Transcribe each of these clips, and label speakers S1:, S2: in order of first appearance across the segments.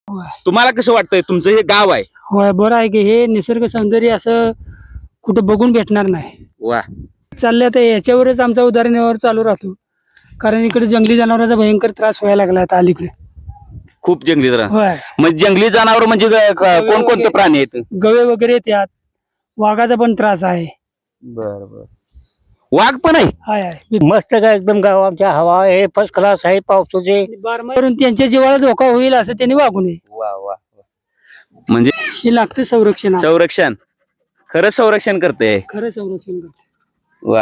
S1: होय.
S2: तुम्हाला कसं वाटतंय तुमचं हे गाव आहे?
S1: होय, बरं आहे की हे निसर्ग सौंदर्य असं कुठं बघून भेटणार नाही.
S2: वा,
S1: चाललं तर याच्यावरच आमचा उदरनिर्वाह चालू राहतो. कारण इकडे जंगली जनावरांचा भयंकर त्रास व्हायला लागला आता अलीकडे.
S2: खूप जंगली जनावर.
S1: होय,
S2: मग जंगली जनावर म्हणजे कोणकोणते प्राणी आहेत?
S1: गवे वगैरे येतात, वाघाचा पण त्रास आहे.
S2: बर बर. वाघ पण आहे?
S1: आहे
S3: मस्त काय एकदम गाव आमच्या हवा आहे फर्स्ट क्लास आहे पावसाचे.
S1: करून त्यांच्या जीवाला धोका होईल असं त्यांनी वागू नये.
S2: वा वा वा. म्हणजे
S1: हे लागतं संरक्षण.
S2: संरक्षण, खरं संरक्षण करते.
S1: खरं संरक्षण करते.
S2: वा.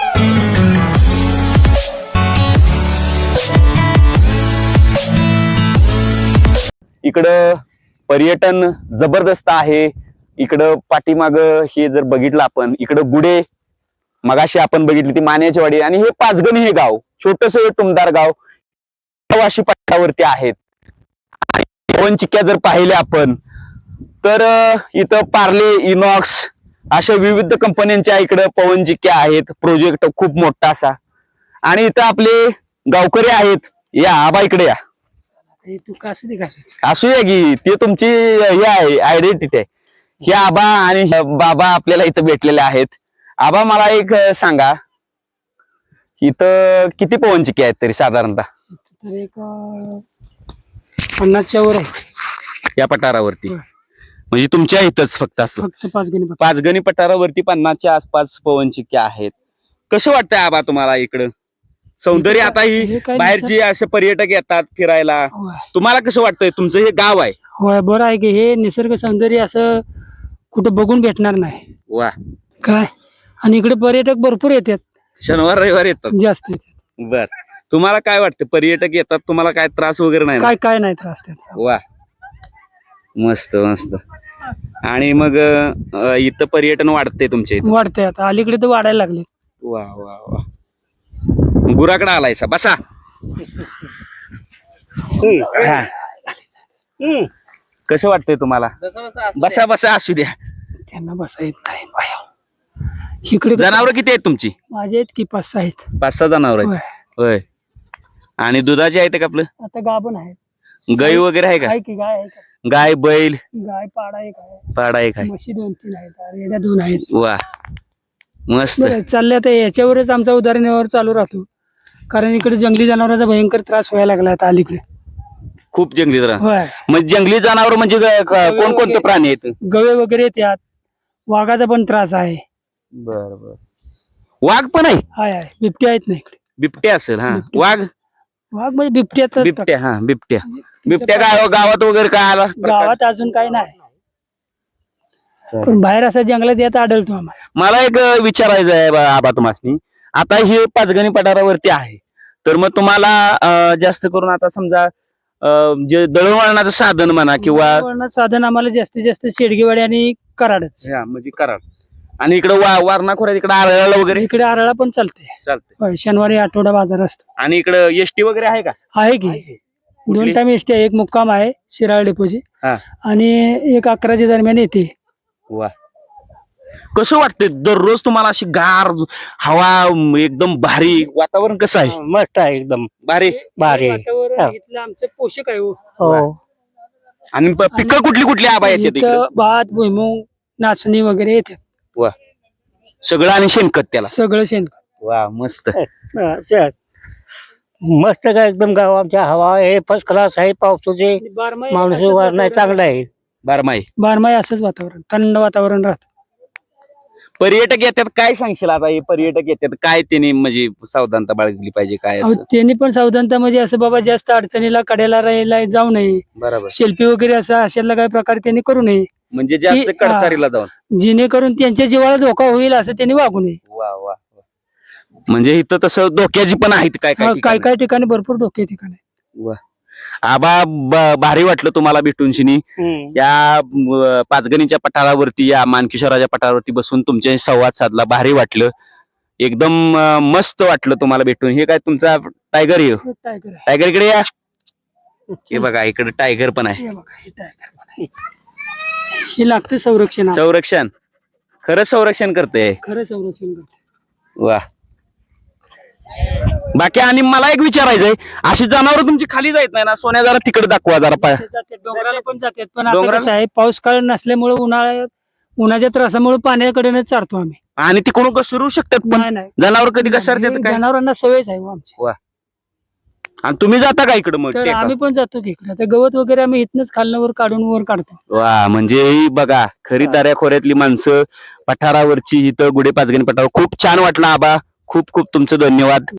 S2: इकडं पर्यटन जबरदस्त आहे. इकडं पाठीमाग हे जर बघितलं आपण, इकडं गुडे मगाशी आपण बघितली ती मान्याची वाडी, आणि हे पाचगणी हे गाव छोटस टुमदार गाव वाशी पट्ट्यावरती आहेत. पवन चिक्क्या जर पाहिले आपण तर इथं पार्ले, इनॉक्स अशा विविध कंपन्यांच्या इकडं पवन चिक्क्या आहेत. प्रोजेक्ट खूप मोठा असा, आणि इथं आपले गावकरी आहेत. या आबा इकडे या.
S1: तू कासू दे कासूच.
S2: असूया की, ते तुमची हे आहे आयडेंटिटी आहे. हे आबा आणि बाबा आपल्याला इथं भेटलेले आहेत. आबा मला एक सांगा, इथं किती पवन चिक्क्या आहेत तरी साधारणतः?
S1: तर एक 50च्या वर आहे
S2: या पठारावरती. म्हणजे तुमच्या इथंच फक्त असं
S1: फक्त पाचगणी.
S2: पाचगणी पठारावरती 50च्या आसपास पवन चिक्क्या आहेत. कसं वाटतंय आबा तुम्हाला इकडं सौंदर्य? आता ही बाहेरची असे पर्यटक येतात फिरायला, तुम्हाला कसं वाटतंय तुमचं हे गाव आहे?
S1: होय, बरं आहे की हे निसर्ग सौंदर्य असं कुठं बघून भेटणार नाही.
S2: वा.
S1: काय, आणि इकडे पर्यटक भरपूर येतात,
S2: शनिवार रविवार येतात
S1: जास्त येतात.
S2: बर. तुम्हाला काय वाटतं, पर्यटक येतात तुम्हाला काय त्रास वगैरे नाही?
S1: काय नाही त्रास त्याचा.
S2: वा, मस्त मस्त. आणि मग इथं पर्यटन वाढते तुमच्या इथं?
S1: वाढते आता अलीकडे तर वाढायला लागले.
S2: वा वा वा. गुराकडे आलायसा, बसा. कसं वाटतंय तुम्हाला? बसा बसा, असू द्या.
S1: त्यांना बसा येत नाही बाया. इकडे
S2: जनावर किती आहेत तुमची?
S1: माझे आहेत की 5-6 आहेत.
S2: 5-6 जनावर आहेत. होय. आणि दुधाची आहेत का आपलं?
S1: आता गाभण आहेत.
S2: गाई वगैरे आहे का?
S1: आहे की गाय आहे का?
S2: गाय, बैल,
S1: गाय पाडा एक आहे,
S2: पाडा एक आहे.
S1: म्हशी 2-3 आहेत, रेड्या 2 आहेत.
S2: वा, मस्त.
S1: चालल्या तर याच्यावरच आमचा उदरनिर्वाह चालू राहतो. कारण इकडे जंगली जनावरांचा भयंकर त्रास व्हायला लागला आता अलीकडे.
S2: खूप जंगली जनावर.
S1: होय,
S2: मग जंगली जनावर म्हणजे कोणकोणते प्राणी आहेत?
S1: गवे वगैरे येतात, वाघाचा पण त्रास आहे.
S2: बर बर. वाघ पण आहे?
S1: आहे, बिबट्या आहेत ना इकडे.
S2: बिबट्या असेल. हा,
S1: बिबट्या.
S2: वाघ,
S1: वाघ म्हणजे बिबट्याचा
S2: बिबट्या. हा, बिबट्या. बिबट्या काय गावात वगैरे काय आला?
S1: गावात अजून काही नाही, पण बाहेर असं जंगलात येत आढळतो आम्हाला.
S2: मला एक विचारायचं आहे आबा तुम्हाला. आता हे पाचगणी पठारावरती आहे, तर मग तुम्हाला जास्त करून आता समजा जे दळणवळणाचं साधन म्हणा किंवा
S1: दळणवळणाचं साधन आम्हाला जास्तीत जास्त शेडगेवाडी आणि कराडच.
S2: म्हणजे कराड, आणि इकडे वारणा खोऱ्यात इकडे आरळाला वगैरे
S1: इकडे आरळा पण चालते.
S2: चालते.
S1: शनिवारी आठवडा बाजार असतो.
S2: आणि इकडे एसटी वगैरे आहे का?
S1: आहे की 2 टाइम एसटी आहे. एक मुक्काम आहे शिराळ डेपोची,
S2: हा.
S1: आणि एक 11च्या दरम्यान येते.
S2: वा. कसं वाटतंय दररोज तुम्हाला अशी गार हवा, एकदम भारी वातावरण? कसं आहे?
S3: मस्त आहे एकदम
S2: भारी
S3: भारी.
S1: वातावरण इथलं आमचं पोषक आहे.
S3: हो.
S2: आणि पिकं कुठली कुठली आबा येते?
S1: इथं भात, भुईमुग, नाचणी वगैरे येते.
S2: वा. सगळं, आणि शेणखत त्याला
S1: सगळं शेणखत.
S2: वा, मस्त.
S3: मस्त काय एकदम गाव आमच्या हवा आहे फर्स्ट क्लास आहे पावसाचे. माणूस नाही चांगला आहे.
S2: बारमाही
S1: बारमाही असंच वातावरण, थंड वातावरण राहत.
S2: पर्यटक येतात, काय सांगशील आता? हे पर्यटक येतात काय त्यांनी म्हणजे सावधानता बाळगली पाहिजे काय?
S1: त्यांनी पण सावधानता म्हणजे असं बाबा जास्त अडचणीला कड्याला राहायला जाऊ नये.
S2: बरोबर.
S1: सेल्फी वगैरे असं अशातला काही प्रकार त्यांनी करू नये,
S2: म्हणजे जास्त कडसारीला जाऊन,
S1: जेणेकरून त्यांच्या जीवाला धोका होईल असं त्यांनी वागू नये.
S2: वा वा. म्हणजे इथं तसं धोक्याची पण आहेत काय
S1: काय काय ठिकाणी भरपूर धोके ठिकाणी.
S2: वा. आबा भारी वाटलं तुम्हाला भेटून शिनी. या पाचगणीच्या पठारावरती, या मानकिशोराच्या पठारावरती बसून तुमच्याशी संवाद साधला, भारी वाटलं. एकदम मस्त वाटलं तुम्हाला भेटून. हे काय तुमचा टायगर आहे? टायगर इकडे या. हे बघा इकडे टायगर पण आहे.
S1: हे लागतं संरक्षण.
S2: संरक्षण, खरं संरक्षण करते.
S1: खरं संरक्षण करते.
S2: वा. बाकी आणि मला एक विचारायचंय, अशी जनावर तुमची खाली जात नाही ना? सोन्या जरा तिकडे दाखवा जरा पाय.
S1: जातात, डोंगराला पण जातात, पण आता
S2: डोंगराला?
S1: कसं आहे पाऊस काळ नसल्यामुळे उन्हाच्या त्रासामुळे पाण्याकडेच चारतो आम्ही.
S2: आणि तिकडून कसं शिरू शकतात पण
S1: नाही नाही
S2: जनावर कधी घसरतात काय?
S1: जनावरांना सवयच आहे हो आमची.
S2: आणि तुम्ही जाता का इकडे मग
S1: तर
S2: टेका?
S1: आम्ही पण जातो की इकडे. आता गवत वगैरे आम्ही इथनच खालनं वर काढून वर काढतो.
S2: वा, म्हणजे ही बघा खरी दऱ्याखोऱ्यातली माणसं, पठारावरची इथं गुढे पाचगणी पठार. खूप छान वाटलं आबा, खूप खूप तुमचं धन्यवाद.